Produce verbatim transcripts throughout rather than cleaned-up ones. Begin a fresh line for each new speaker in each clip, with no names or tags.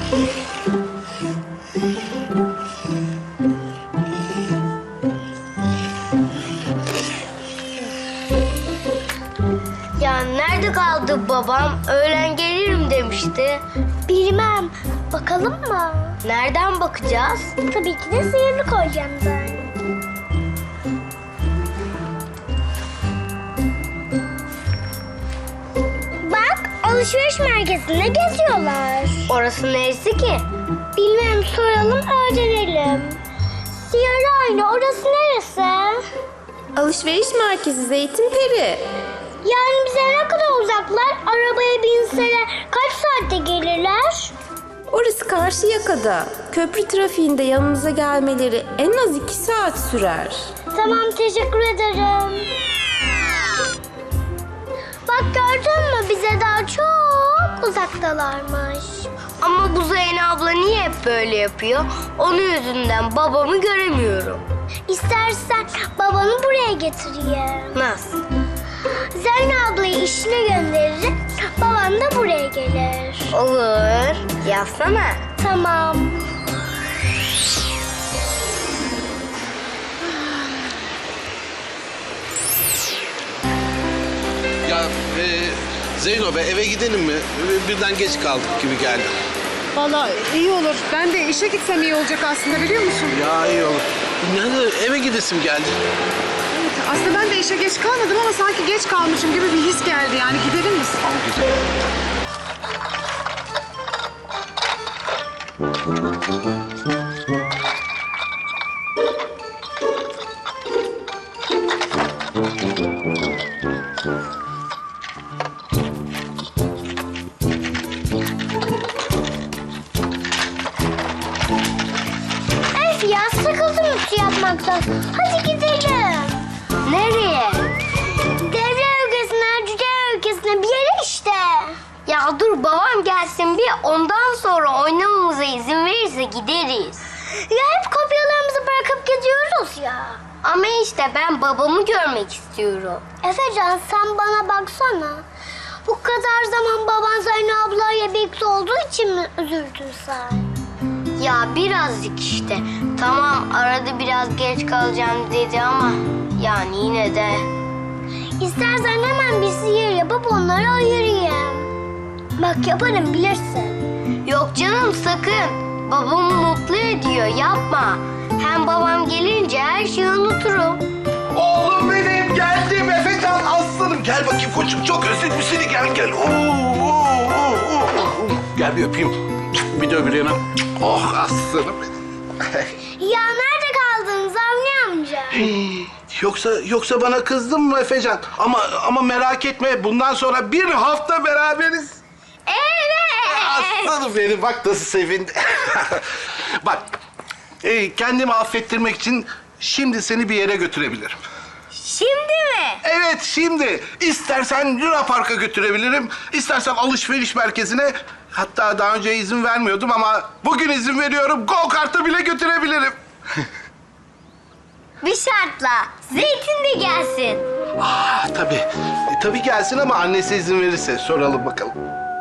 Ya nerede kaldı babam? Öğlen gelirim demişti.
Bilmem. Bakalım mı?
Nereden bakacağız?
Tabii ki de sihirli kolyemden. Bak, alışveriş merkezinde geziyorlar.
Orası neresi ki?
Bilmem, soralım, öğrenelim. Sihirli ayna, orası neresi?
Alışveriş merkezi Zeytinperi.
Yani bize ne kadar uzaklar? Arabaya binseler kaç saatte gelirler?
Orası Karşıyaka'da. Köprü trafiğinde yanımıza gelmeleri en az iki saat sürer.
Tamam, teşekkür ederim. Bak, gördün mü? Bize daha çok uzaktalarmış.
Ama bu Zeynep abla niye hep böyle yapıyor? Onun yüzünden babamı göremiyorum.
İstersen babanı buraya getireyim.
Nasıl?
Zeynep ablayı işine gönderirim, baban da buraya gelir.
Olur. Yazsana.
Tamam.
Ya e, Zeyno be eve gidelim mi? E, Birden geç kaldık gibi geldi.
Vallahi iyi olur. Ben de işe gitsem iyi olacak aslında, biliyor musun?
Ya iyi olur. Yani eve gidesim geldi.
Evet, aslında ben de işe geç kalmadım ama sanki geç kalmışım gibi bir his geldi. Yani gidelim mi?
Güzel.
Öf ya, sıkıldım ütü yapmaktan. Hadi gidelim.
Nereye?
Devre ülkesine, cüce ülkesine, bir yere işte.
Ya dur babam gelsin bir ondan sonra oynamamıza izin verirse gideriz.
Ya hep kopyalarımızı bırakıp gidiyoruz ya.
Ama işte ben babamı görmek istiyorum.
Efecan, sen bana baksana. Bu kadar zaman baban Zeynep ablayla birlikte olduğu için mi üzüldün sen?
Ya birazcık işte. Tamam arada biraz geç kalacağım dedi ama yani yine de.
İstersen hemen bir sihir yapıp onları ayırayım. Bak, yaparım, bilirsin.
Yok canım sakın. Babamı mutlu ediyor yapma. Hem babam gelince her şeyi unuturum.
Oğlum benim geldim Efecan aslanım. Gel bakayım koçum çok özledim seni gel gel. Oo, oo, oo, oo. Gel bir öpeyim. Bir de öbür yana. Oh aslanım benim.
Ya nerede kaldın Zavni amca?
Yoksa yoksa bana kızdın mı Efecan? Ama ama merak etme bundan sonra bir hafta beraberiz.
Evet.
Aslanım benim bak nasıl sevindi. Bak e, kendimi affettirmek için şimdi seni bir yere götürebilirim.
Şimdi mi?
Evet şimdi. İstersen Luna Park'a götürebilirim. İstersen alışveriş merkezine. Hatta daha önce izin vermiyordum ama bugün izin veriyorum. Go kart'a bile götürebilirim.
Bir şartla. Zeytin de gelsin.
Aa tabii. E, tabii gelsin ama annesi izin verirse soralım bakalım.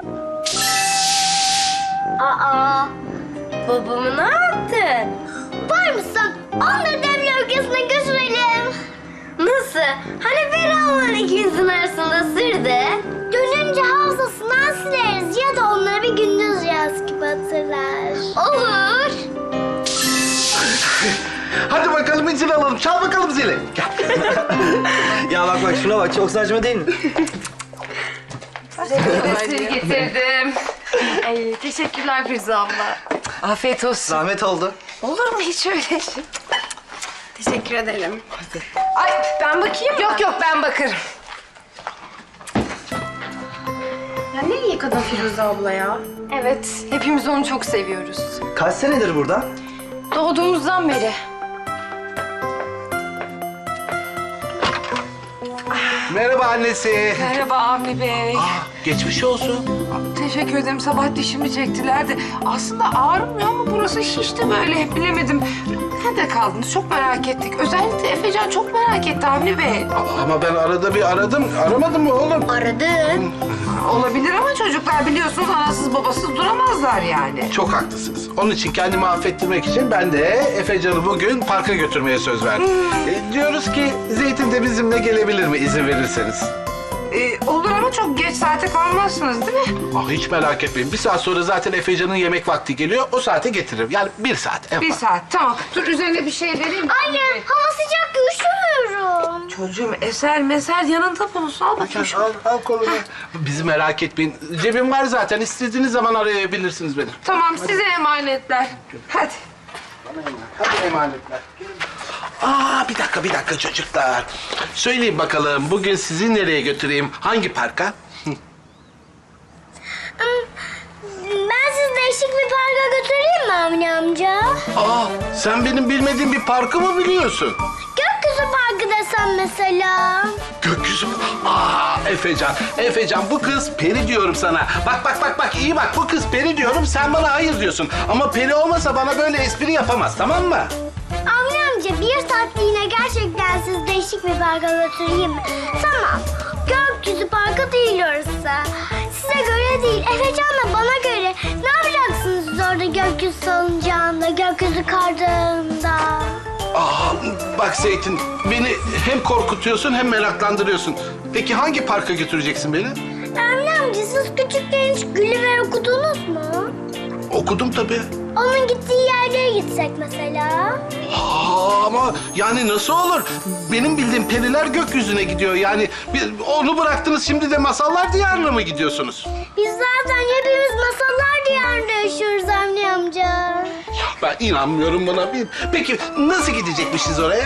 Aa, babamı ne yaptın?
Var mısın? Onları devre ülkesine götürelim.
Nasıl? Hani bir Allah'ın ikimizin arasında sırdı.
Dönünce hafızasından sileriz ya da onları bir gündüz rüyası gibi hatırlar.
Olur.
Hadi bakalım izin alalım. Çal bakalım zili. Gel.
Ya bak bak şuna bak, çok saçma değil mi?
Getirdim. Ay, teşekkürler Firuze abla. Afiyet olsun.
Zahmet oldu.
Olur mu hiç öyle şey? Teşekkür ederim. Ay ben bakayım mı? Yok yok ben bakarım. Ya ne iyi kadın Firuze abla ya. Evet, hepimiz onu çok seviyoruz.
Kaç senedir burada?
Doğduğumuzdan beri.
Merhaba annesi.
Merhaba Avni Bey.
Aa, Geçmiş olsun.
Teşekkür ederim. Sabah dişimi çektilerdi. Aslında ağrımıyor ama burası şişti böyle. Bilemedim. Nerede kaldınız? Çok merak ettik. Özellikle Efecan çok merak etti Avni Bey.
Ama ben arada bir aradım. Aramadın mı oğlum?
Aradın.
Olabilir ama çocuklar biliyorsunuz anasız babasız duramazlar yani.
Çok haklısınız. Onun için kendimi affettirmek için ben de Efecan'ı bugün parka götürmeye söz verdim. E, diyoruz ki Zeytin de bizimle gelebilir mi izin verirseniz?
Ee, olur ama çok geç saate kalmazsınız değil mi?
Ah hiç merak etmeyin. Bir saat sonra zaten Efecan'ın yemek vakti geliyor. O saate getiririm. Yani bir saat. En
Bir
fazla.
saat tamam. Dur üzerine bir şey vereyim.
Anne hava sıcak üşümüyorum.
Çocuğum eser meser yanında bulunsun. Al bakayım şunu.
Al, al kolunu. Bizi merak etmeyin. Cebim var zaten. İstediğiniz zaman arayabilirsiniz beni.
Tamam size emanetler. Hadi.
Hadi emanetler. Aa bir dakika bir dakika çocuklar. Söyleyin bakalım bugün sizi nereye götüreyim? Hangi parka?
Ben sizi değişik bir parka götüreyim mi Avni amca?
Aa sen benim bilmediğim bir parkı mı biliyorsun?
Gökyüzü parkı desem mesela.
Gökyüzü mü? Aa Efecan, Efecan bu kız peri diyorum sana. Bak bak bak bak iyi bak bu kız peri diyorum sen bana hayır diyorsun. Ama peri olmasa bana böyle espri yapamaz tamam mı?
Avni amca bir saatliğine gerçekten sizi değişik bir parka götüreyim mi? Tamam. Gökyüzü parkı değil orası. Size göre değil. Efecan'la bana göre. Ne yapacaksınız siz orada gökyüzü salıncağında, gökyüzü kardığında?
Aa bak Zeytin beni hem korkutuyorsun hem meraklandırıyorsun. Peki hangi parka götüreceksin beni?
Avni amca siz küçükken hiç Gulliver okudunuz mu?
Okudum tabii.
Onun gittiği yerlere gitsek mesela.
Aa, ama yani nasıl olur? Benim bildiğim periler gökyüzüne gidiyor. Yani bir, onu bıraktınız şimdi de masallar diyarına mı gidiyorsunuz?
Biz zaten hepimiz masallar diyarında yaşıyoruz Avni amca.
Ya ben inanmıyorum buna. Bir- Peki nasıl gidecekmişiz oraya?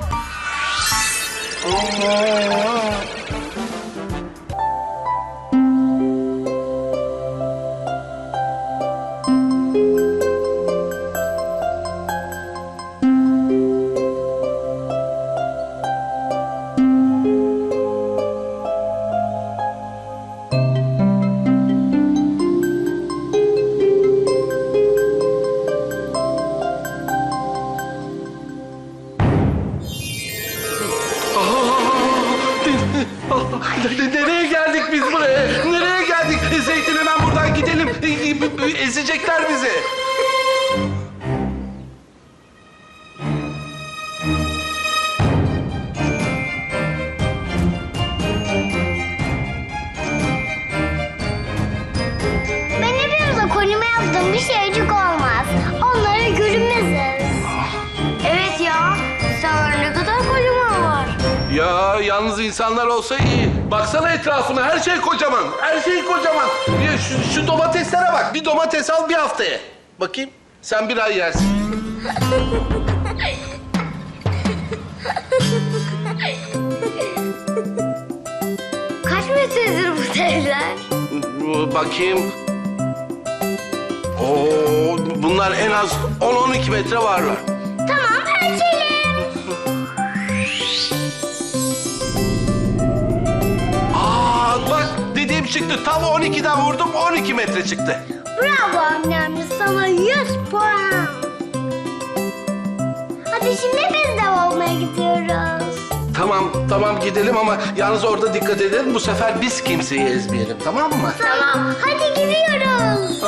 Ne- Nereye geldik biz buraya? Nereye geldik? Zeytin hemen buradan gidelim. Ezecekler bizi.
Ben hepimize konuma yaptığım bir şeycik olmaz. Onlara görünmeziz.
Evet ya. Sana ne kadar kocaman var.
Ya yalnız insanlar olsa iyi. Baksana etrafına her şey kocaman. Her şey kocaman. Ya şu, şu domateslere bak. Bir domates al bir haftaya. Bakayım sen bir ay yersin.
Kaç metredir bu evler?
Bakayım. Oo, bunlar en az on on iki metre varlar.
Tamam ölçelim.
Aa bak dediğim çıktı. Tam on ikiden vurdum on iki metre çıktı.
Bravo annem, sana yüz puan. Hadi şimdi biz de olmaya gidiyoruz.
Tamam tamam gidelim ama yalnız orada dikkat edelim. Bu sefer biz kimseyi ezmeyelim tamam mı?
Tamam. Hadi gidiyoruz.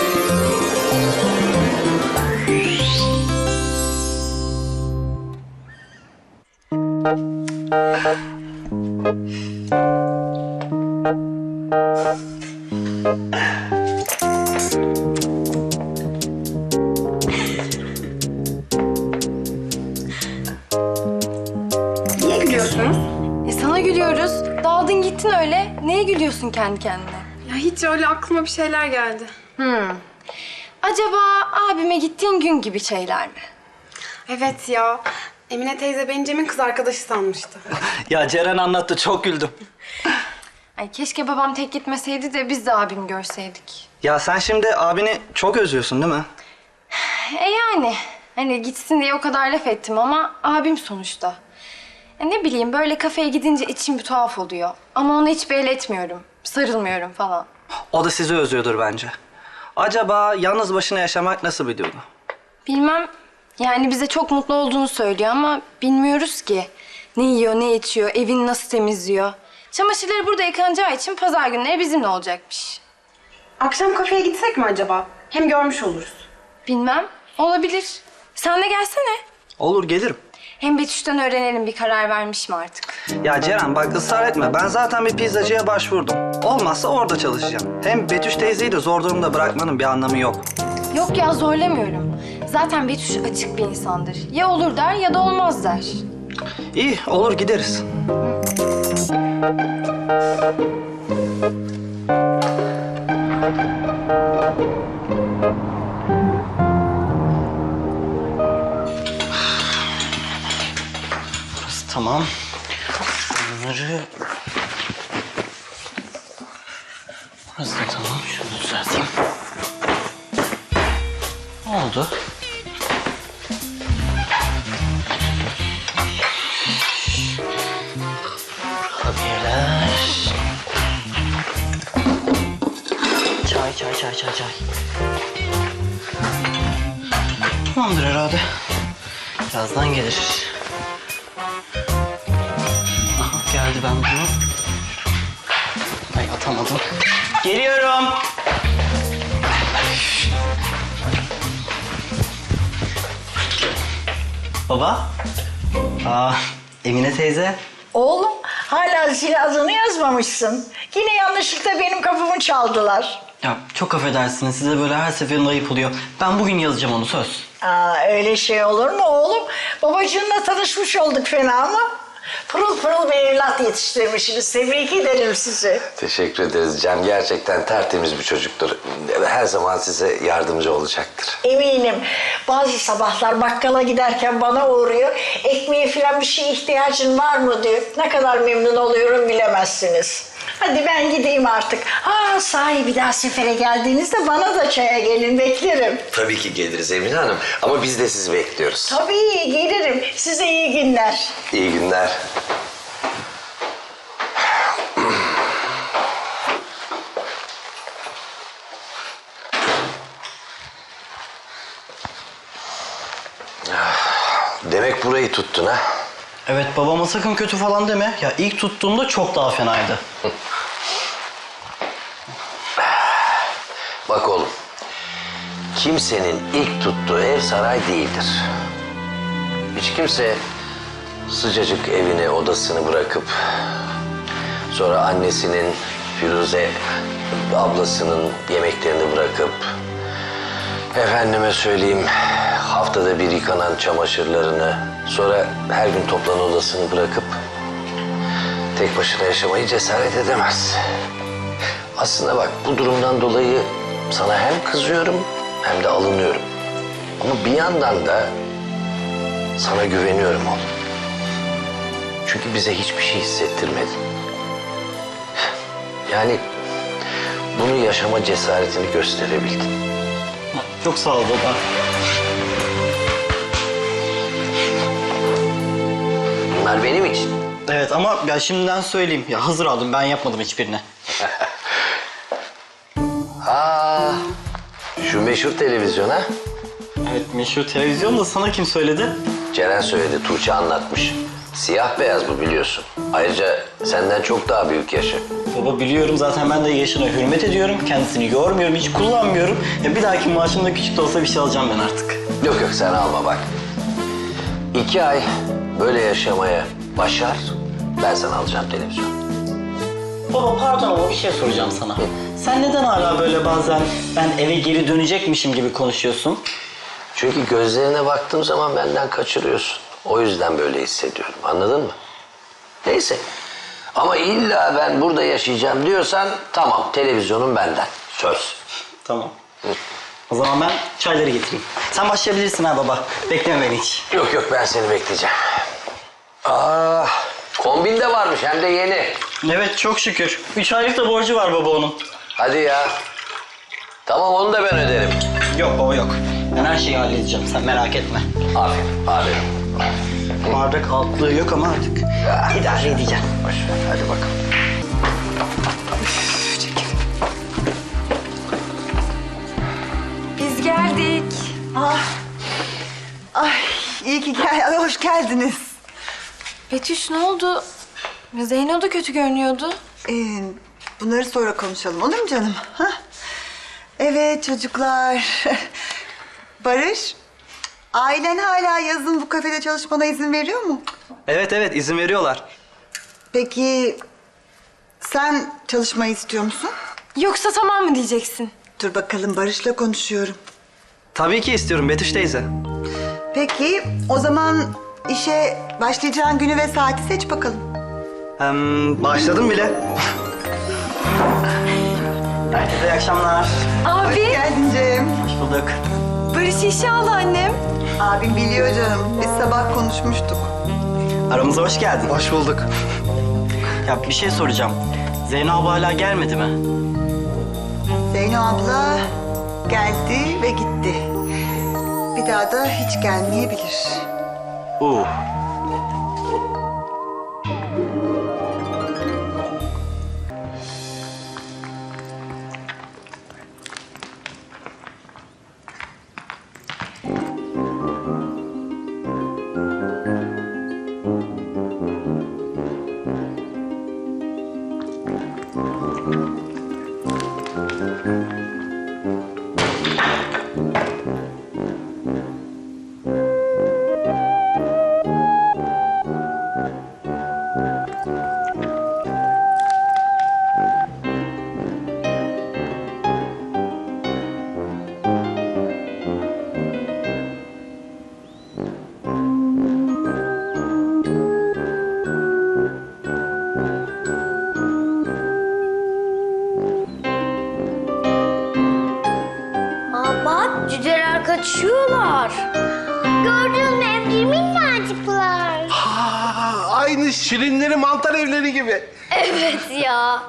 Niye gülüyorsunuz?
E sana gülüyoruz. Daldın gittin öyle. Neye gülüyorsun kendi kendine?
Ya hiç öyle aklıma bir şeyler geldi.
Hmm. Acaba abime gittiğin gün gibi şeyler mi?
Evet ya. Emine teyze beni Cem'in kız arkadaşı sanmıştı.
Ya Ceren anlattı, çok güldüm.
Ay keşke babam tek gitmeseydi de biz de abimi görseydik.
Ya sen şimdi abini çok özlüyorsun değil mi?
E yani. Hani gitsin diye o kadar laf ettim ama abim sonuçta. E ne bileyim böyle kafeye gidince içim bir tuhaf oluyor. Ama onu hiç belli etmiyorum. sarılmıyorum falan.
O da sizi özlüyordur bence. Acaba yalnız başına yaşamak nasıl bir duygu?
Bilmem, yani bize çok mutlu olduğunu söylüyor ama bilmiyoruz ki. Ne yiyor, ne içiyor, evini nasıl temizliyor. Çamaşırları burada yıkanacağı için pazar günleri bizimle olacakmış.
Akşam kafeye gitsek mi acaba? Hem görmüş oluruz.
Bilmem, olabilir. Sen de gelsene.
Olur, gelirim.
Hem Betüş'ten öğrenelim bir karar vermiş mi artık.
Ya Ceren bak ısrar etme. Ben zaten bir pizzacıya başvurdum. Olmazsa orada çalışacağım. Hem Betüş teyzeyi de zor durumda bırakmanın bir anlamı yok.
Yok ya, zorlamıyorum. Zaten Betüş açık bir insandır. Ya olur der ya da olmaz der.
İyi, olur gideriz. Burası tamam. Bunları... Burası da tamam. Şunu düzelteyim. Ne oldu? Kurabiyeler. Çay, çay, çay, çay, çay. Tamamdır herhalde. Birazdan gelir. Aha, geldi, ben bunu... Ay, atamadım. Geliyorum. Baba. Aa, Emine teyze.
Oğlum hala zil adını yazmamışsın. Yine yanlışlıkla benim kapımı çaldılar.
Ya çok affedersiniz, size böyle her seferinde ayıp oluyor. Ben bugün yazacağım onu, söz.
Aa, öyle şey olur mu oğlum? Babacığınla tanışmış olduk fena mı? Pırıl pırıl bir evlat yetiştirmişsiniz. Tebrik ederim sizi.
Teşekkür ederiz Cem. Gerçekten tertemiz bir çocuktur. Her zaman size yardımcı olacaktır.
Eminim. Bazı sabahlar bakkala giderken bana uğruyor. Ekmeğe falan bir şey ihtiyacın var mı diyor. Ne kadar memnun oluyorum bilemezsiniz. Hadi ben gideyim artık. Ha sahi bir daha sefere geldiğinizde bana da çaya gelin, beklerim.
Tabii ki geliriz Emine Hanım. Ama biz de sizi bekliyoruz.
Tabii gelirim. Size iyi günler.
İyi günler. Demek burayı tuttun ha?
Evet, babama sakın kötü falan deme. Ya ilk tuttuğumda çok daha fenaydı.
Bak oğlum, kimsenin ilk tuttuğu ev saray değildir. Hiç kimse sıcacık evini, odasını bırakıp... sonra annesinin, Firuze ablasının yemeklerini bırakıp... efendime söyleyeyim, haftada bir yıkanan çamaşırlarını... sonra her gün toplanan odasını bırakıp... tek başına yaşamayı cesaret edemez. Aslında bak, bu durumdan dolayı sana hem kızıyorum hem de alınıyorum. Ama bir yandan da sana güveniyorum oğlum. Çünkü bize hiçbir şey hissettirmedin. Yani bunu yaşama cesaretini gösterebildin.
Çok sağ ol baba.
Bunlar benim için.
Evet ama ya şimdiden söyleyeyim. Ya hazır aldım, ben yapmadım hiçbirini.
Aa, şu meşhur televizyon ha?
Evet, meşhur televizyon da sana kim söyledi?
Ceren söyledi, Tuğçe anlatmış. Siyah beyaz bu biliyorsun. Ayrıca senden çok daha büyük yaşı.
Baba biliyorum, zaten ben de yaşına hürmet ediyorum. Kendisini yormuyorum, hiç kullanmıyorum. Ya bir dahaki maaşımda küçük de olsa bir şey alacağım ben artık.
Yok yok sen alma bak. İki ay böyle yaşamaya başar, ben sana alacağım televizyon.
Baba pardon ama bir şey soracağım sana. Sen neden hala böyle bazen ben eve geri dönecekmişim gibi konuşuyorsun?
Çünkü gözlerine baktığım zaman benden kaçırıyorsun. O yüzden böyle hissediyorum, anladın mı? Neyse. Ama illa ben burada yaşayacağım diyorsan tamam, televizyonun benden. Söz.
Tamam. O zaman ben çayları getireyim. Sen başlayabilirsin ha baba. Bekleme beni hiç.
Yok yok ben seni bekleyeceğim. Aa, kombin de varmış hem de yeni.
Evet çok şükür. Üç aylık da borcu var baba onun.
Hadi ya. Tamam onu da ben öderim.
Yok baba yok. Ben her şeyi halledeceğim. Sen merak etme.
Aferin, aferin.
Bardak altlığı yok ama artık idare edeceğim.
Boş ver, hadi bakalım.
geldik.
Ah. Ay iyi ki gel. Ay, hoş geldiniz.
Betüş ne oldu? Zeyno da kötü görünüyordu.
Ee, bunları sonra konuşalım olur mu canım? Ha? Evet çocuklar. Barış, ailen hala yazın bu kafede çalışmana izin veriyor mu?
Evet evet izin veriyorlar.
Peki sen çalışmayı istiyor musun?
Yoksa tamam mı diyeceksin?
Dur bakalım Barış'la konuşuyorum.
Tabii ki istiyorum Betüş teyze.
Peki o zaman işe başlayacağın günü ve saati seç bakalım.
Hem başladım bile. Herkese iyi akşamlar.
Hoş
Abi,
geldin Cem.
Hoş bulduk.
Barış işe aldı annem.
Abim biliyor canım. Biz sabah konuşmuştuk.
Aramıza hoş geldin. Hoş bulduk. Ya bir şey soracağım. Zeyno abla hala gelmedi mi?
Zeyno abla geldi ve gitti. Bir daha da hiç gelmeyebilir.
Oo.
Aa bak cüceler kaçıyorlar. Gördün mü Emre minnacıklar.
Aa, aynı şirinleri mantar evleri gibi.
Evet ya.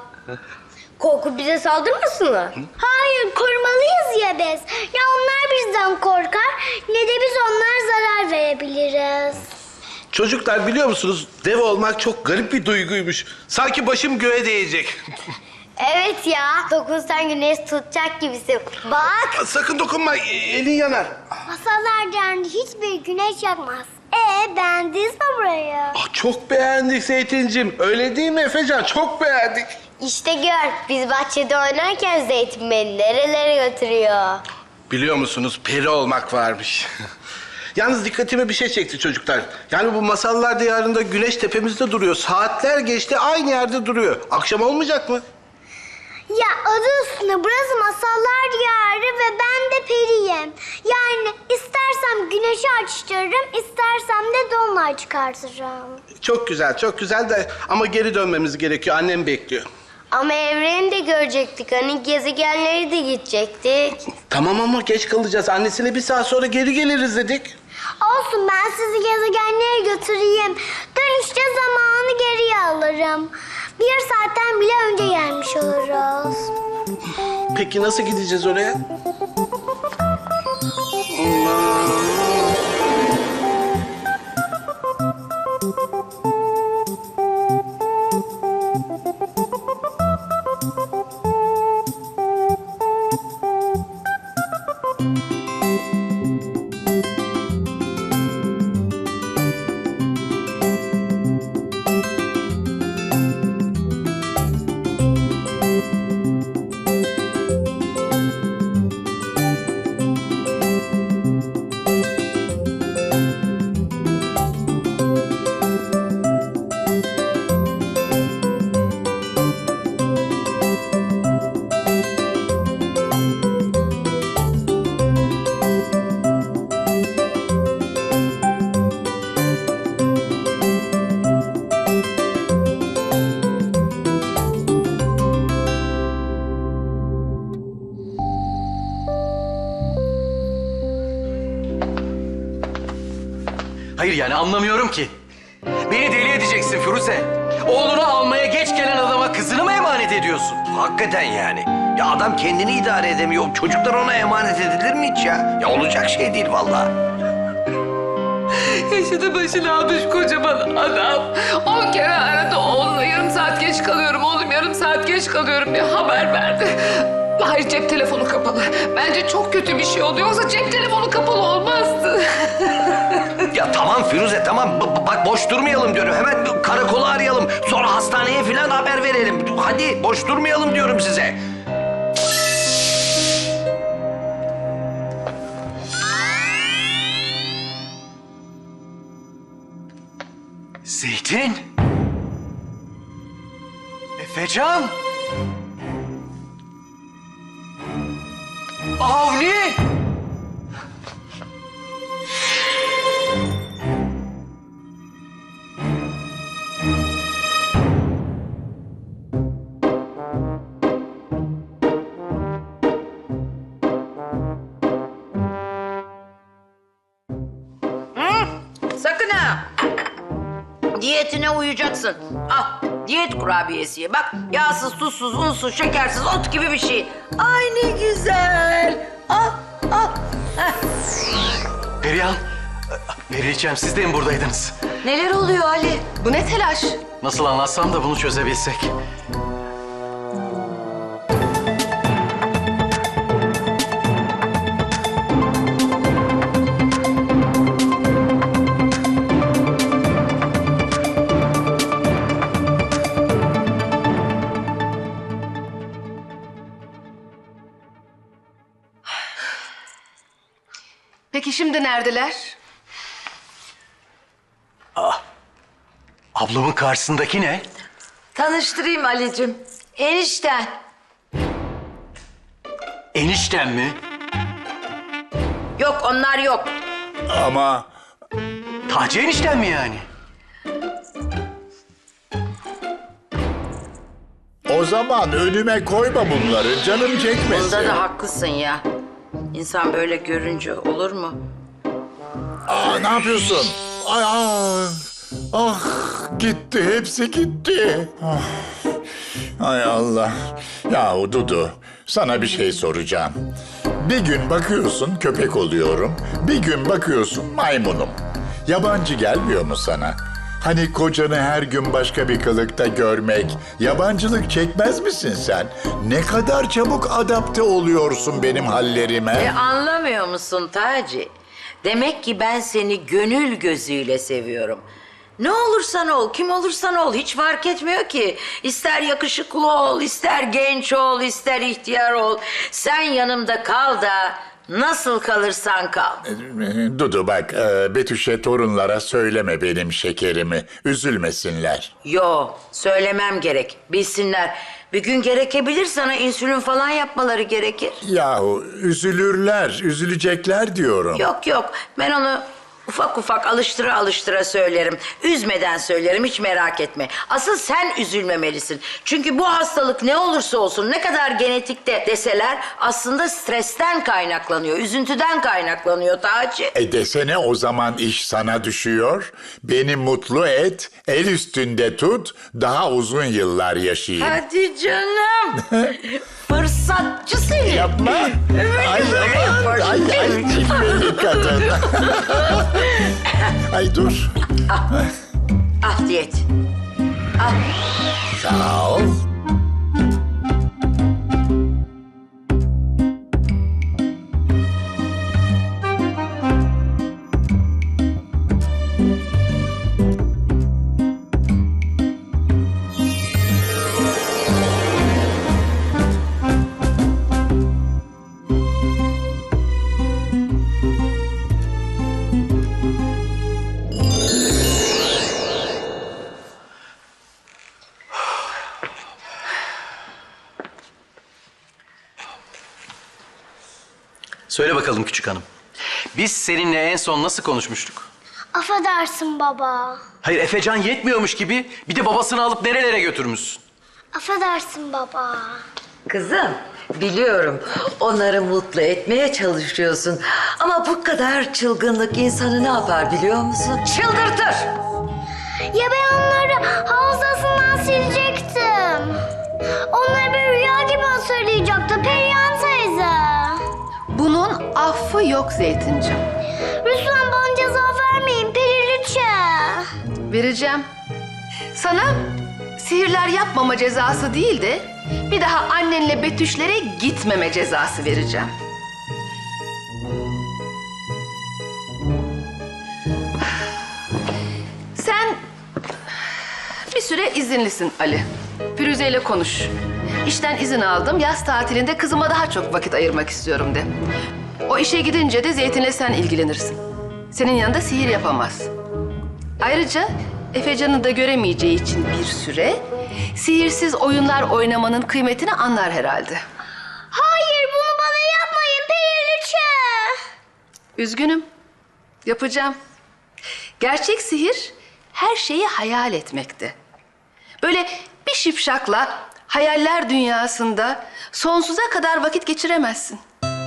Korku bize saldırmasınlar.
Hayır korumalıyız ya biz. Ya onlar bizden korkar ne de biz onlara zarar verebiliriz.
Çocuklar biliyor musunuz dev olmak çok garip bir duyguymuş. Sanki başım göğe değecek.
Evet ya. Dokunsan güneş tutacak gibisin. Bak.
Sakın dokunma e- elin yanar.
Masallar derdi hiçbir güneş yakmaz. Ee beğendiniz mi burayı?
Ah, çok beğendik Zeytincim. Öyle değil mi Efecan? Çok beğendik.
İşte gör. Biz bahçede oynarken Zeytin beni nerelere götürüyor.
Biliyor musunuz peri olmak varmış. Yalnız dikkatimi bir şey çekti çocuklar. Yani bu masallar diyarında güneş tepemizde duruyor. Saatler geçti aynı yerde duruyor. Akşam olmayacak mı?
Ya adı üstünde burası masallar diyarı ve ben de periyim. Yani istersem güneşi açtırırım, istersem de dolunay çıkartırım.
Çok güzel, çok güzel de ama geri dönmemiz gerekiyor. Annem bekliyor.
Ama evreni de görecektik. Hani gezegenleri de gidecektik.
Tamam ama geç kalacağız. Annesiyle bir saat sonra geri geliriz dedik.
Olsun ben sizi gezegenlere götüreyim. Dönüşte zamanı geriye alırım. Bir saatten bile önce gelmiş oluruz.
Peki nasıl gideceğiz oraya?
Hayır yani anlamıyorum ki. Beni deli edeceksin Firuze. Oğlunu almaya geç gelen adama kızını mı emanet ediyorsun?
Hakikaten yani. Ya adam kendini idare edemiyor. Çocuklar ona emanet edilir mi hiç ya? Ya olacak şey değil vallahi.
Yaşadı başını almış kocaman adam. On kere aradı oğluna yarım saat geç kalıyorum oğlum yarım saat geç kalıyorum diye haber verdi. Hayır, cep telefonu kapalı. Bence çok kötü bir şey oluyor. Yoksa cep telefonu kapalı olmazdı.
Ya tamam Firuze tamam. B- bak boş durmayalım diyorum. Hemen karakolu arayalım. Sonra hastaneye falan haber verelim. Hadi boş durmayalım diyorum size.
Zeytin. Efecan. Avni.
Sakın ha. Diyetine uyacaksın. Al diyet kurabiyesi ye. Bak yağsız, tuzsuz, unsuz, şekersiz ot gibi bir şey. Ay ne güzel. Al, al. Heh.
Perihan. Periliçem siz de mi buradaydınız?
Neler oluyor Ali?
Bu ne telaş?
Nasıl anlatsam da bunu çözebilsek.
Peki şimdi neredeler?
Ablamın karşısındaki ne?
Tanıştırayım Ali'cim. Enişten.
Eniştem mi?
Yok onlar yok.
Ama
Taci eniştem mi yani?
o zaman önüme koyma bunları. Canım çekmesin.
Bunda da haklısın ya. İnsan böyle görünce olur mu?
Aa, ne yapıyorsun? Ay, ah, ah, gitti, hepsi gitti. Ah, ay Allah. Yahu Dudu, sana bir şey soracağım. Bir gün bakıyorsun köpek oluyorum, bir gün bakıyorsun maymunum. Yabancı gelmiyor mu sana? Hani kocanı her gün başka bir kılıkta görmek, yabancılık çekmez misin sen? Ne kadar çabuk adapte oluyorsun benim hallerime.
E anlamıyor musun Taci? Demek ki ben seni gönül gözüyle seviyorum. Ne olursan ol, kim olursan ol hiç fark etmiyor ki. İster yakışıklı ol, ister genç ol, ister ihtiyar ol. Sen yanımda kal da nasıl kalırsan kal.
Dudu bak, e, Betüş'e torunlara söyleme benim şekerimi. Üzülmesinler.
Yo, söylemem gerek. Bilsinler. Bir gün gerekebilir sana insülin falan yapmaları gerekir.
Yahu üzülürler, üzülecekler diyorum.
Yok yok, ben onu ufak ufak alıştıra alıştıra söylerim. Üzmeden söylerim, hiç merak etme. Asıl sen üzülmemelisin. Çünkü bu hastalık ne olursa olsun, ne kadar genetikte deseler aslında stresten kaynaklanıyor, üzüntüden kaynaklanıyor Taci.
E desene o zaman iş sana düşüyor. Beni mutlu et, el üstünde tut, daha uzun yıllar yaşayayım.
Hadi canım. Fırsatçı seni.
Yapma. Ay aman, ay ay cilveli kadın. Ay dur.
Al diyet. Al.
Sağ ol.
Söyle bakalım küçük hanım. Biz seninle en son nasıl konuşmuştuk?
Affedersin baba.
Hayır Efecan yetmiyormuş gibi bir de babasını alıp nerelere götürmüşsün?
Affedersin baba.
Kızım, biliyorum onları mutlu etmeye çalışıyorsun. Ama bu kadar çılgınlık insanı ne yapar biliyor musun? Çıldırtır.
Ya ben onları hafızasından silecektim. Onları bir rüya gibi hatırlayacaktı Perihan teyze.
Bunun affı yok Zeytincim.
Lütfen bana ceza vermeyin Periliçe.
Vereceğim. Sana sihirler yapmama cezası değil de
Bir daha annenle Betüşlere gitmeme cezası vereceğim. Sen bir süre izinlisin Ali. Firuze ile konuş. İşten izin aldım. Yaz tatilinde kızıma daha çok vakit ayırmak istiyorum de. O işe gidince de Zeytin'le sen ilgilenirsin. Senin yanında sihir yapamaz. Ayrıca Efecan'ı da göremeyeceği için bir süre sihirsiz oyunlar oynamanın kıymetini anlar herhalde.
Hayır, bunu bana yapmayın Periliçe.
Üzgünüm. Yapacağım. Gerçek sihir her şeyi hayal etmekte. Böyle bir şipşakla hayaller dünyasında sonsuza kadar vakit geçiremezsin.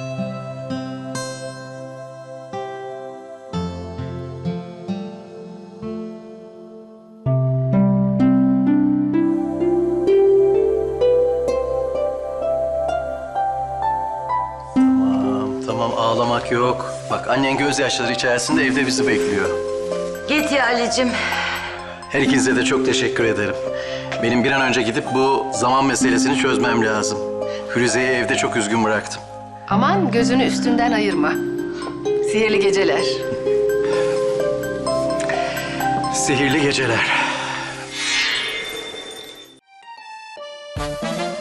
Tamam, tamam ağlamak yok. Bak annen gözyaşları içerisinde evde bizi bekliyor.
Git ya Ali'cim.
Her ikinize de çok teşekkür ederim. Benim bir an önce gidip bu zaman meselesini çözmem lazım. Firuze'yi evde çok üzgün bıraktım.
Aman gözünü üstünden ayırma. Sihirli geceler.
Sihirli geceler.